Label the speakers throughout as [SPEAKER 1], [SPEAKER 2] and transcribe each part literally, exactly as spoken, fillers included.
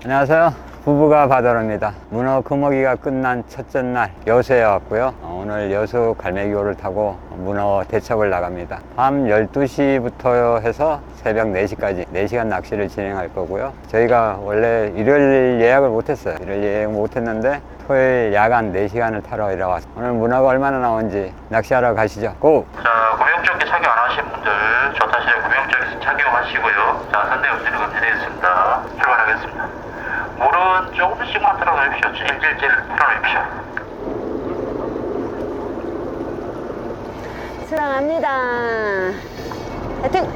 [SPEAKER 1] 안녕하세요. 부부가 바다로입니다. 문어 금어기가 끝난 첫째 날 여수에 왔고요. 오늘 여수 갈매기호를 타고 문어 대첩을 나갑니다. 밤 열두 시부터 해서 새벽 네 시까지 네 시간 낚시를 진행할 거고요. 저희가 원래 일요일 예약을 못했어요. 일요일 예약 못했는데 토요일 야간 네 시간을 타러 일어왔어요. 오늘 문어가 얼마나 나온지 낚시하러 가시죠. 고!
[SPEAKER 2] 자, 구명조끼 착용 안 하신 분들 조타실에 구명조끼 착용하시고요. 자, 선대 음질을 건드리겠습니다. 출발하겠습니다. 물은 조금씩만 틀어놓으십시오. 질질질 틀어놓으십시오.
[SPEAKER 3] 출항합니다. 화이팅!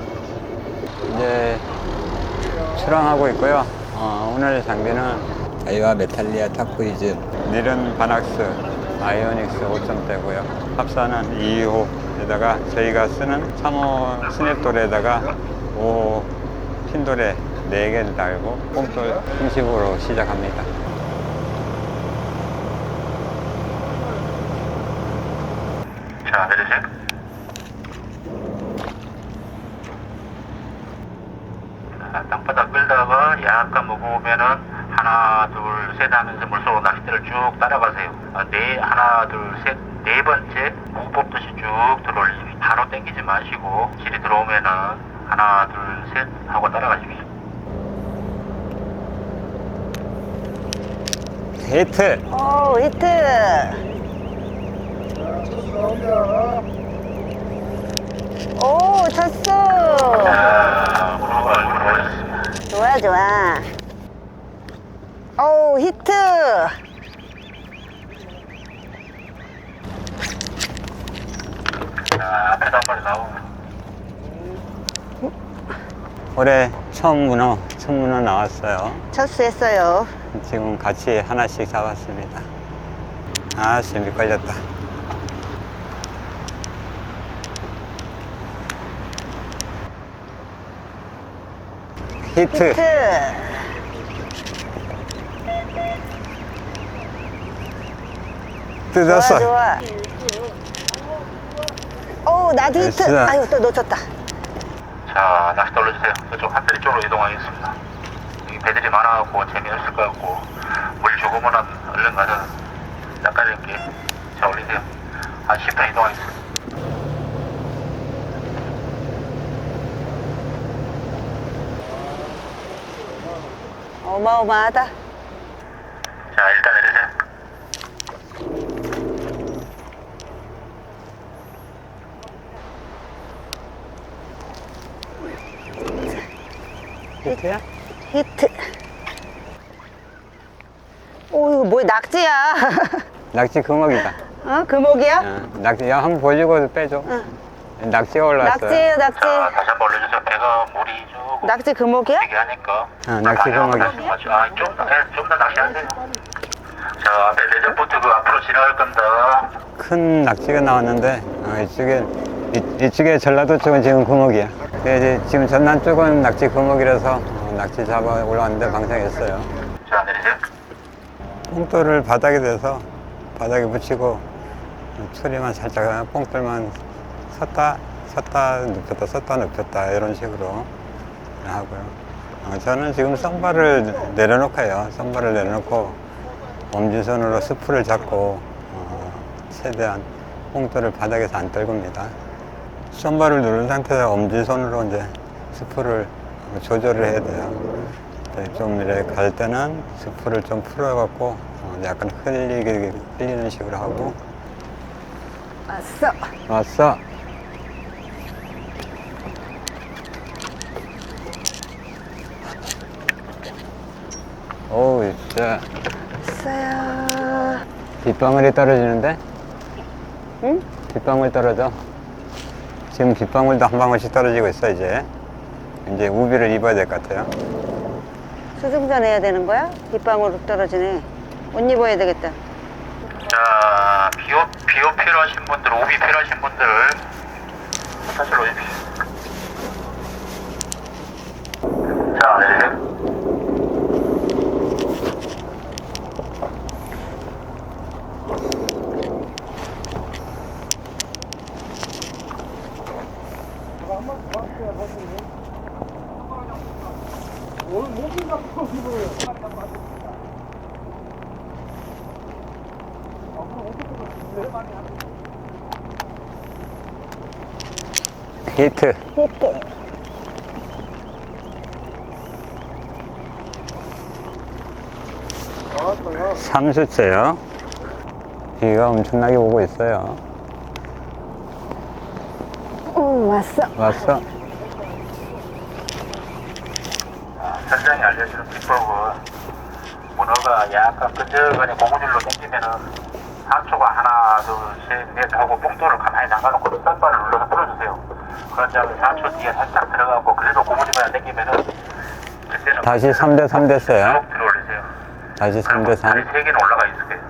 [SPEAKER 1] 이제 출항하고 있고요. 어, 오늘 장비는 다이와 메탈리아 타쿠이즈 닐은 바낙스 아이오닉스 오 점대고요. 합사는 이 호에다가 저희가 쓰는 삼 호 스냅돌에다가 오 호 핀돌에 네 개를 달고 뽕돌 중심으로 시작합니다.
[SPEAKER 2] 자, 내리세요. 자, 땅바닥 끌다가 약간 무거우면은 하나, 둘, 셋 하면서 물속으로 낚싯대를 쭉 따라가세요. 아, 네, 하나, 둘, 셋, 네 번째 무 뽑듯이 쭉 들어올리세요. 바로 당기지 마시고 질이 들어오면은 하나, 둘, 셋 하고 따라가십시오.
[SPEAKER 1] 히트!
[SPEAKER 3] 오, 히트! 오, 쳤어!
[SPEAKER 2] 자, 물어가 얼굴 올렸습니다.
[SPEAKER 3] 좋아, 좋아. 오, 히트!
[SPEAKER 2] 자, 앞에도 한 마리 나오고.
[SPEAKER 1] 올해 처음 문어, 첫 문어 나왔어요.
[SPEAKER 3] 첫수했어요.
[SPEAKER 1] 지금 같이 하나씩 잡았습니다. 아, 재미 걸렸다. 히트!
[SPEAKER 3] 히트!
[SPEAKER 1] 뜯었어.
[SPEAKER 3] 좋아, 좋아. 오, 나도 히트!
[SPEAKER 1] 됐어.
[SPEAKER 3] 아유, 또 놓쳤다.
[SPEAKER 2] 자, 낚시 돌려주세요. 저쪽 한대리 쪽으로 이동하겠습니다. 여기 배들이 많아갖고 재미없을 것 같고 물 조금은 얼른 가서 낚아줄게. 자, 올리세요. 한 십 분 이동하겠습니다.
[SPEAKER 3] 어마어마하다.
[SPEAKER 2] 자, 일단 내리세요.
[SPEAKER 1] 히트야?
[SPEAKER 3] 히트. 오, 이거 뭐야, 낙지야.
[SPEAKER 1] 낙지 금어기다.
[SPEAKER 3] 어, 금옥이야?
[SPEAKER 1] 어, 낙지, 야, 한번 보여주고 빼줘.
[SPEAKER 3] 응.
[SPEAKER 1] 낙지가 올라왔어요.
[SPEAKER 3] 낙지예요, 낙지.
[SPEAKER 2] 자, 다시 한번 올려주세요. 배가 물이 조금
[SPEAKER 3] 낙지 금옥이야?
[SPEAKER 2] 되게 하니까.
[SPEAKER 1] 어, 낚시 금어기.
[SPEAKER 2] 아, 좀 더, 네, 좀더 낚시하세요. 자, 앞에 레저보트 그 앞으로 지나갈 겁니다.
[SPEAKER 1] 큰 낙지가 나왔는데, 어, 이쪽에, 이, 이쪽에 전라도 쪽은 지금 금어기야. 근데 이제 지금 전남 쪽은 낙지 금어기라서 어, 낙지 잡아 올라왔는데 방생했어요.
[SPEAKER 2] 자, 내리세요.
[SPEAKER 1] 뽕돌을 바닥에 대서 바닥에 붙이고 추리만 살짝 뽕돌만 섰다 섰다 눕혔다 섰다 눕혔다 이런 식으로 하고요. 어, 저는 지금 썸바를 내려놓고요. 썸바를 내려놓고 엄지손으로 스프를 잡고 어, 최대한 뽕돌을 바닥에서 안 떨굽니다. 썸바를 누른 상태에서 엄지손으로 이제 스프를 조절을 해야 돼요. 좀 이렇게 갈 때는 스프를 좀 풀어갖고 어, 약간 흘리게 흘리는 식으로 하고.
[SPEAKER 3] 왔어.
[SPEAKER 1] 왔어. 오우, 진짜
[SPEAKER 3] 왔어요.
[SPEAKER 1] 빗방울이 떨어지는데?
[SPEAKER 3] 응?
[SPEAKER 1] 빗방울 떨어져. 지금 빗방울도 한 방울씩 떨어지고 있어. 이제 이제 우비를 입어야 될 것 같아요.
[SPEAKER 3] 수중전 해야 되는 거야? 빗방울 떨어지네. 옷 입어야 되겠다.
[SPEAKER 2] 자, 비오, 비오 필요하신 분들, 오비 필요하신 분들 사실 오십시오. 자, 내리세요.
[SPEAKER 1] 히트.
[SPEAKER 3] 이렇게.
[SPEAKER 1] 삼 수째요. 비가 엄청나게 오고 있어요.
[SPEAKER 3] 응, 왔어.
[SPEAKER 1] 왔어.
[SPEAKER 2] 선장이 알려주는 비법은 문어가 약간 끈적거리 고무줄로 당기면은 상초가 하나 둘셋넷 하고 뽕돌을 가만히 잠가놓고 싹발을 눌러서 풀어주세요. 그런 다음에 상초 뒤에 살짝 들어가고 그래도 고무줄만 당기면은 그때는
[SPEAKER 1] 다시 삼 대 삼 됐어요.
[SPEAKER 2] 쭉 들어올리세요.
[SPEAKER 1] 다시 삼 대 삼.
[SPEAKER 2] 다리 세 개는 올라가 있을 거예요.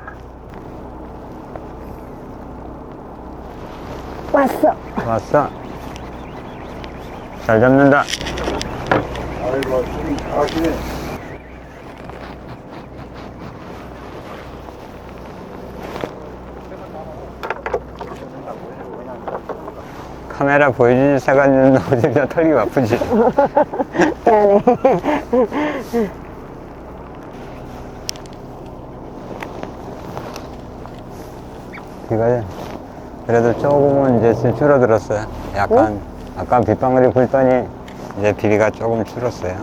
[SPEAKER 3] 왔어.
[SPEAKER 1] 왔어. 잘 잡는다.
[SPEAKER 4] 아이고, 지금 잘하시네.
[SPEAKER 1] 카메라 보여주지 세간는 어디가 털기 바쁘지.
[SPEAKER 3] 미안해.
[SPEAKER 1] 비가 그래도 조금은 이제 줄어들었어요. 약간 아까 빗방울이 불더니 이제 비가 조금 줄었어요.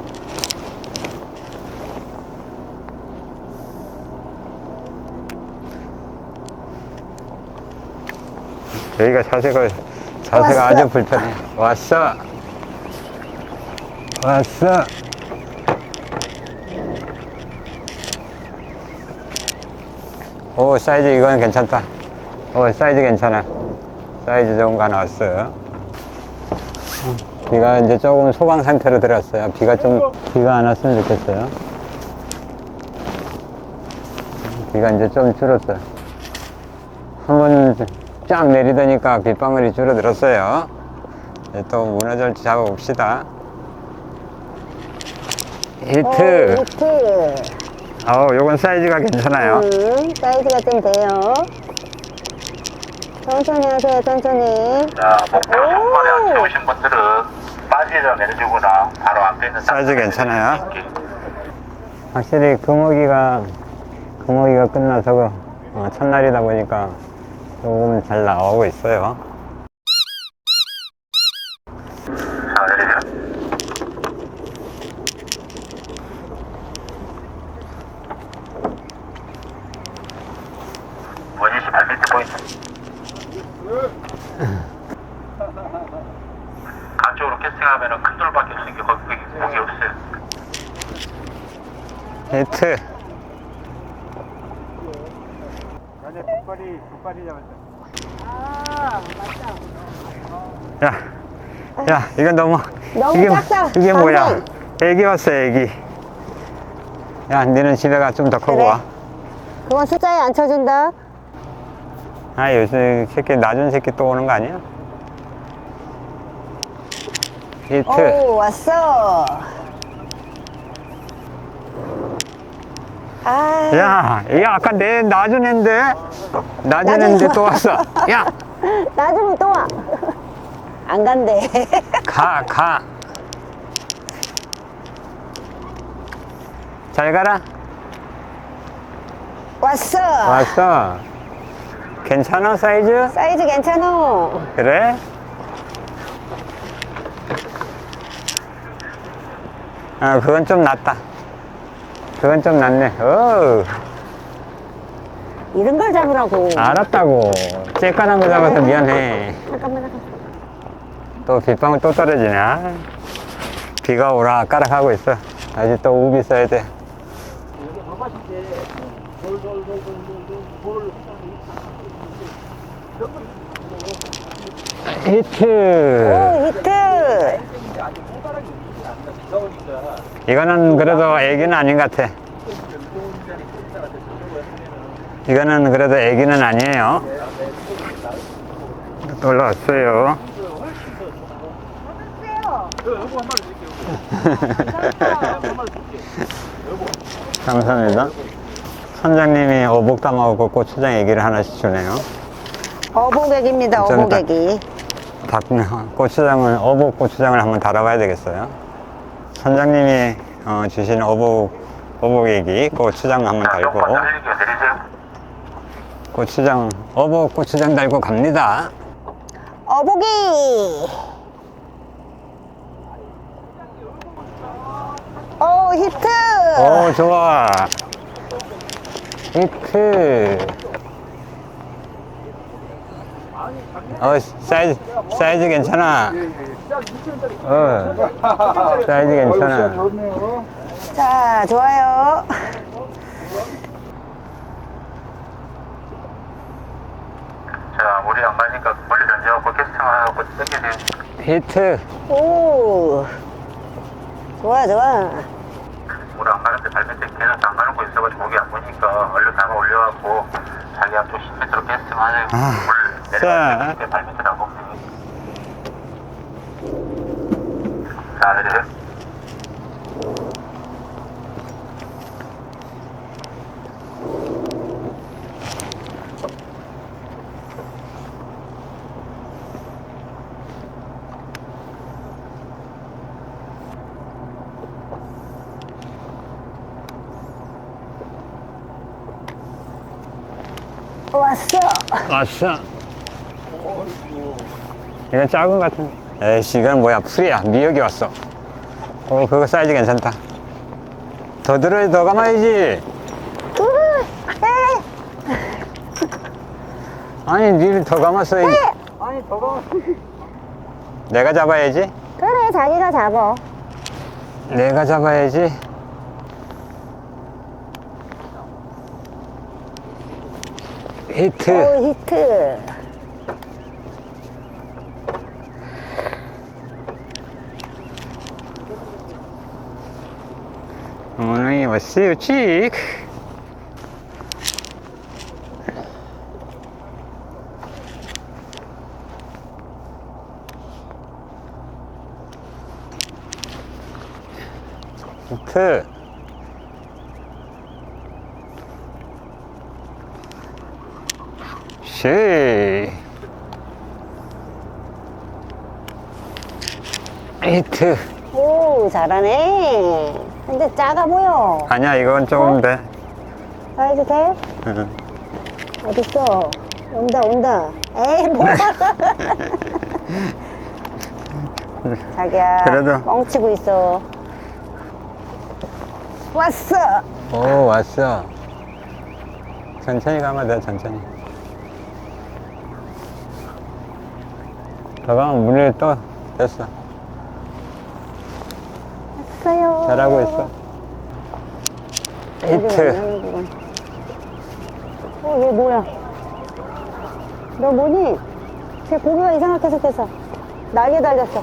[SPEAKER 1] 여기가 자세가 자세가
[SPEAKER 3] 왔어.
[SPEAKER 1] 아주 불편해. 왔어. 왔어. 오, 사이즈 이건 괜찮다. 오, 사이즈 괜찮아. 사이즈 좋은 거 하나 왔어요. 비가 이제 조금 소강 상태로 들어왔어요. 비가 좀, 비가 안 왔으면 좋겠어요. 비가 이제 좀 줄었어요. 한번 쫙 내리더니까 빗방울이 줄어들었어요. 이제 또 문어절치 잡아봅시다. 히트.
[SPEAKER 3] 오, 히트.
[SPEAKER 1] 어우, 요건 사이즈가 괜찮아요.
[SPEAKER 3] 음, 사이즈가 좀 돼요. 천천히 하세요, 천천히.
[SPEAKER 2] 자, 목표로 손발에 안 채우신 분들은 빠지려 내려주거나 바로 앞에 있는
[SPEAKER 1] 사이즈 괜찮아요.
[SPEAKER 2] 이렇게.
[SPEAKER 1] 확실히 금어기가 금어기가 끝나서 그, 어, 첫날이다 보니까 조금 잘 나오고 있어요.
[SPEAKER 2] 자, 내리세요. 원희 씨 발밑에 포인트. 안쪽으로 캐스팅하면은 큰 돌밖에 없으니까 거기 목이 없어요.
[SPEAKER 1] 히트.
[SPEAKER 4] 전에 뒷발이, 뒷발이 잡았어.
[SPEAKER 1] 야, 야, 이건 너무
[SPEAKER 3] 너무
[SPEAKER 1] 이게
[SPEAKER 3] 작다.
[SPEAKER 1] 이게 뭐야?
[SPEAKER 3] 선생.
[SPEAKER 1] 애기 왔어, 애기. 야, 니는 집에 가 좀 더 크고
[SPEAKER 3] 그래.
[SPEAKER 1] 와.
[SPEAKER 3] 그건 숫자에 안 쳐준다.
[SPEAKER 1] 아, 요새 새끼 낮은 새끼 또 오는 거 아니야? 히트.
[SPEAKER 3] 오, 왔어. 아,
[SPEAKER 1] 야, 이 아까 내 낮은 애인데 낮은
[SPEAKER 3] 낮은
[SPEAKER 1] 애인데
[SPEAKER 3] 거.
[SPEAKER 1] 또 왔어. 야,
[SPEAKER 3] 나중에 또 와. 안 간대.
[SPEAKER 1] 가, 가. 잘 가라.
[SPEAKER 3] 왔어.
[SPEAKER 1] 왔어. 괜찮아, 사이즈?
[SPEAKER 3] 사이즈 괜찮아.
[SPEAKER 1] 그래? 아, 그건 좀 낫다. 그건 좀 낫네. 어,
[SPEAKER 3] 이런 걸 잡으라고.
[SPEAKER 1] 알았다고. 쬐깐한 거 잡아서 미안해.
[SPEAKER 3] 잠깐만, 잠깐만.
[SPEAKER 1] 또 빗방울 또 떨어지냐? 비가 오락가락 있어. 아직 또 우비 써야 돼. 히트.
[SPEAKER 3] 오, 히트.
[SPEAKER 1] 이거는 그래도 애기는 아닌 것 같아. 이거는 그래도 애기는 아니에요. 또 올라왔어요. 감사합니다. 선장님이 어복 담아오고 고추장 애기를 하나씩 주네요.
[SPEAKER 3] 어복액입니다,
[SPEAKER 1] 좀 이따-
[SPEAKER 3] 어복액이.
[SPEAKER 1] 닭, 고추장을, 어복 고추장을 한번 달아봐야 되겠어요. 선장님이 어, 주신 어복, 어복애기 고추장 한번
[SPEAKER 2] 자,
[SPEAKER 1] 달고,
[SPEAKER 2] 쪽파 달리기 내리세요.
[SPEAKER 1] 고추장, 어복 고추장 달고 갑니다.
[SPEAKER 3] 어복이. 오, 히트.
[SPEAKER 1] 오, 좋아. 히트. 어, 사이즈, 사이즈 괜찮아. 어, 사이즈 괜찮아.
[SPEAKER 4] 좋네요.
[SPEAKER 3] 자, 좋아요.
[SPEAKER 2] 자, 우리 안 가니까 멀리 던져갖고 캐스팅 하고 땡기세요.
[SPEAKER 1] 히트.
[SPEAKER 3] 오. 좋아, 좋아.
[SPEAKER 2] 우리 안 가는데 발밑에 계속 안 가는 거 있어가지고 거기 안 보니까 얼른 나가 올려갖고 자기 앞쪽 십 미터로 캐스팅 하세요.
[SPEAKER 1] 아,
[SPEAKER 2] 물
[SPEAKER 1] 자.
[SPEAKER 2] 내려갈 때 발밑에 안 보면 자, 내리세요.
[SPEAKER 3] 왔어.
[SPEAKER 1] 왔어. 이건 작은 것 같은데. 에이씨, 이건 뭐야, 풀이야. 미역이 왔어. 어, 그거 사이즈 괜찮다. 더 들어야 더 감아야지. 아니, 니를 더 감았어야지.
[SPEAKER 4] 아니, 저거.
[SPEAKER 1] 내가 잡아야지.
[SPEAKER 3] 그래, 자기가 잡어.
[SPEAKER 1] 내가 잡아야지. 히트.
[SPEAKER 3] 오, 히트.
[SPEAKER 1] 어머니, 왔어요, 칙. 히트. 시. 히트.
[SPEAKER 3] 오, 잘하네. 근데 작아 보여.
[SPEAKER 1] 아니야, 이건 조금 돼.
[SPEAKER 3] 사이즈 돼?
[SPEAKER 1] 응.
[SPEAKER 3] 어딨어? 온다, 온다. 에이, 뭐야. 자기야,
[SPEAKER 1] 그래도.
[SPEAKER 3] 뻥치고 있어. 왔어.
[SPEAKER 1] 오, 왔어. 천천히 가면 돼, 천천히. 더 가면 물이 또 됐어.
[SPEAKER 3] 왔어요.
[SPEAKER 1] 잘하고 있어. 히트.
[SPEAKER 3] 어, 얘 뭐야? 너 뭐니? 쟤 고기가 이상하게 생겼어. 날개 달렸어.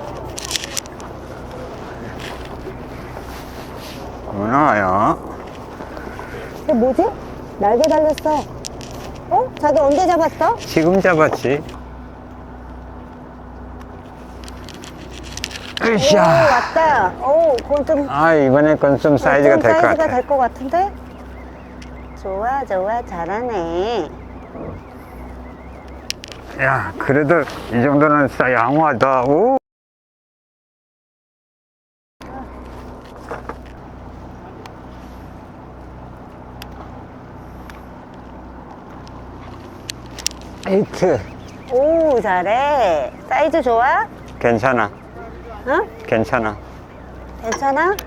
[SPEAKER 1] 문어요.
[SPEAKER 3] 얘 뭐지? 날개 달렸어. 어? 자기 언제 잡았어?
[SPEAKER 1] 지금 잡았지.
[SPEAKER 3] 오,
[SPEAKER 1] 으쌰.
[SPEAKER 3] 왔다. 오, 그건 좀.
[SPEAKER 1] 아, 이번에 건 좀 사이즈가
[SPEAKER 3] 좀
[SPEAKER 1] 될 것
[SPEAKER 3] 사이즈가
[SPEAKER 1] 같아.
[SPEAKER 3] 될 것 같은데? 좋아, 좋아, 잘하네.
[SPEAKER 1] 야, 그래도 이 정도는 싸 양호하다. 오. 히트.
[SPEAKER 3] 오, 잘해. 사이즈 좋아?
[SPEAKER 1] 괜찮아.
[SPEAKER 3] 응?
[SPEAKER 1] 괜찮아.
[SPEAKER 3] 괜찮아?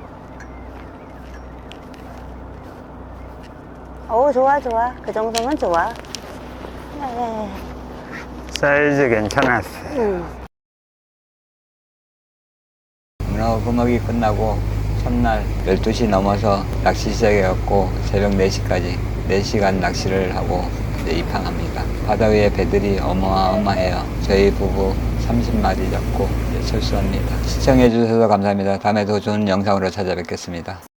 [SPEAKER 3] 오, 좋아, 좋아. 그 정도면 좋아. 네.
[SPEAKER 1] 사이즈 괜찮았어.
[SPEAKER 3] 응.
[SPEAKER 1] 문어 구멍이 끝나고 첫날 열두 시 넘어서 낚시 시작해갖고 새벽 네 시까지 네 시간 낚시를 하고 이제 입항합니다. 바다 위에 배들이 어마어마해요. 저희 부부 삼십 마리 잡고 이제 철수합니다. 시청해주셔서 감사합니다. 다음에 더 좋은 영상으로 찾아뵙겠습니다.